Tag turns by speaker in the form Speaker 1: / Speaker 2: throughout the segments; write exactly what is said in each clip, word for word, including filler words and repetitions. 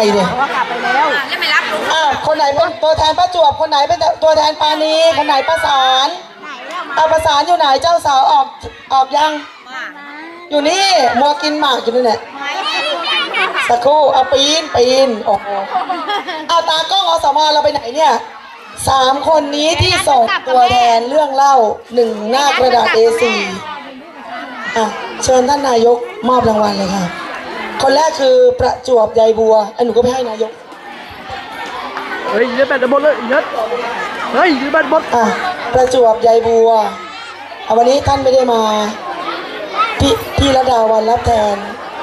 Speaker 1: เนี่ย
Speaker 2: ว่ากลับไปแล้วแล้วไม่รับลุง
Speaker 1: อ่าคนไหนเป็นตัวแทนป้าจวบคนไหนเป็นตัวแทนปานีคนไหนประสานเอาประสานอยู่ไหนเจ้าสาวออกออกยังอยู่นี่มัวกินหมากอยู่นี่แหละสักครู่เอาปีนปีนโอ้โหเอาตากล้องอสมเราไปไหนเนี่ยสามคนนี้ที่ส่งตัวแทนเรื่องเล่าหนึ่งหน้ากระดาษ เอ โฟร์ อ่ะเชิญท่านนายกมอบรางวัลเลยค่ะคนแรกคือประจวบใยบัวไอ้หนูก็ไปให้นายก
Speaker 3: เฮ้ยยืดแบตหมดเลยยัดเฮ้ยยืดแบตหมด
Speaker 1: อ่ะประจวบใยบัววันนี้ท่านไม่ได้มาพี่พี่ระดาวันรับแทน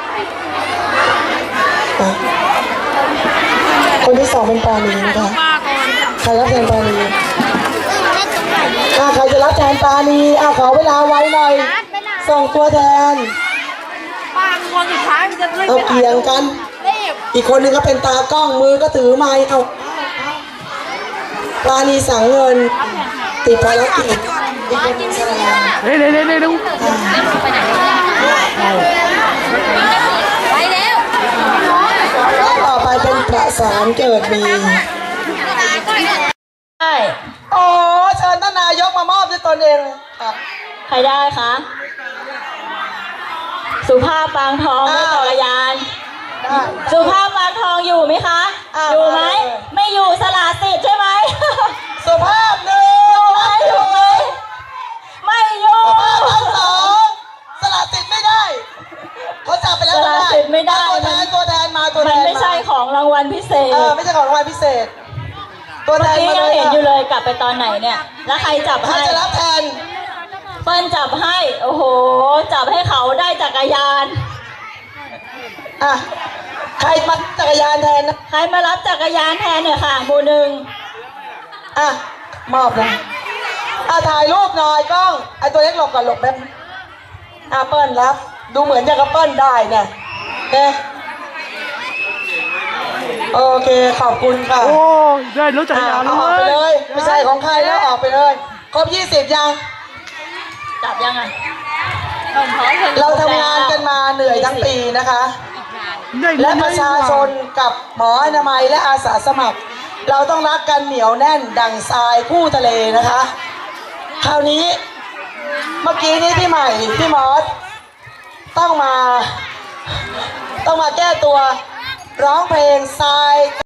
Speaker 1: คนที่สองเป็นปานีนะคะใครรับแทนปานีอ่ะใครจะรับแทนปานีอ่ะขอเวลาไว้หน่อยส่งตัวแทนเอาเกี่ยงกันอีกคนนึงก็เป็นตากล้องมือก็ถือไม้เอาปานีสั่งเงินติดภารกิจอีกคนนึงแสดง
Speaker 3: เฮ้ยเฮ้ยเฮ้ยเฮ้ยดู
Speaker 2: ไปแล้ว
Speaker 1: ต่อไปเป็นประสานเกิดมี
Speaker 2: ใช่
Speaker 1: โอ้เชิญท่านนายกมามอบด้วยตนเองค่ะ
Speaker 2: ใครได้คะสุภาพปางทองไม่ต่อยานสุภาพปางทองอยู่ไหมคะอยู่ไหมไม่อยู่สละสิทธิ์ใช่ไหม
Speaker 1: สุภาพหนึ่ง
Speaker 2: ไม่อยู่ไหมไม่อยู่
Speaker 1: สุภาพทั้งสองสละสิทธิ์ไม่ได้เขาจับไปแล้ว
Speaker 2: สละสิทธิ์ไม่ได้
Speaker 1: ตัวแทนตัวแทนมาตัวแทน
Speaker 2: มันไม่ใช่ของรางวัลพิเศษ
Speaker 1: เออไม่ใช่ของรางวัลพิเศษตัวแทนมาเลย
Speaker 2: ยังเห็นอยู่เลยกลับไปตอนไหนเนี่ยแล้วใครจับให้
Speaker 1: ใครจะรับแทน
Speaker 2: เปิ้ลจับให้โอ้โหจับให้เขาได้จักรยาน
Speaker 1: อ่ะใครมาจักรยานแทนนะ
Speaker 2: ใครมารับจักรยานแทนเนี่ยค่ะหมู่หนึ่ง
Speaker 1: อ่ะมอบเลยอ่ะถ่ายรูปหน่อยกล้องไอตัวเล็กหลบก่อนหลบแป๊บอ่ะเปิ้ลรับดูเหมือนจะกระเปิ้ลได้เนี่ยเนี่ยโอเคขอบคุณค่ะ
Speaker 3: โอ้ได้รถจักรยาน
Speaker 1: แล้วออกไปเลยไม่ใช่ของใครแล้วออกไปเลยครบยี่สิบยัง
Speaker 2: จับยังไง
Speaker 1: เราทำงานกันมาเหนื่อยทั้งปีนะคะและประชาชนกับหมออนามัยและอาสาสมัครเราต้องรักกันเหนียวแน่นดั่งทรายคู่ทะเลนะคะคราวนี้เมื่อกี้นี้พี่ใหม่พี่มอสต้องมาต้องมาแก้ตัวร้องเพลงทราย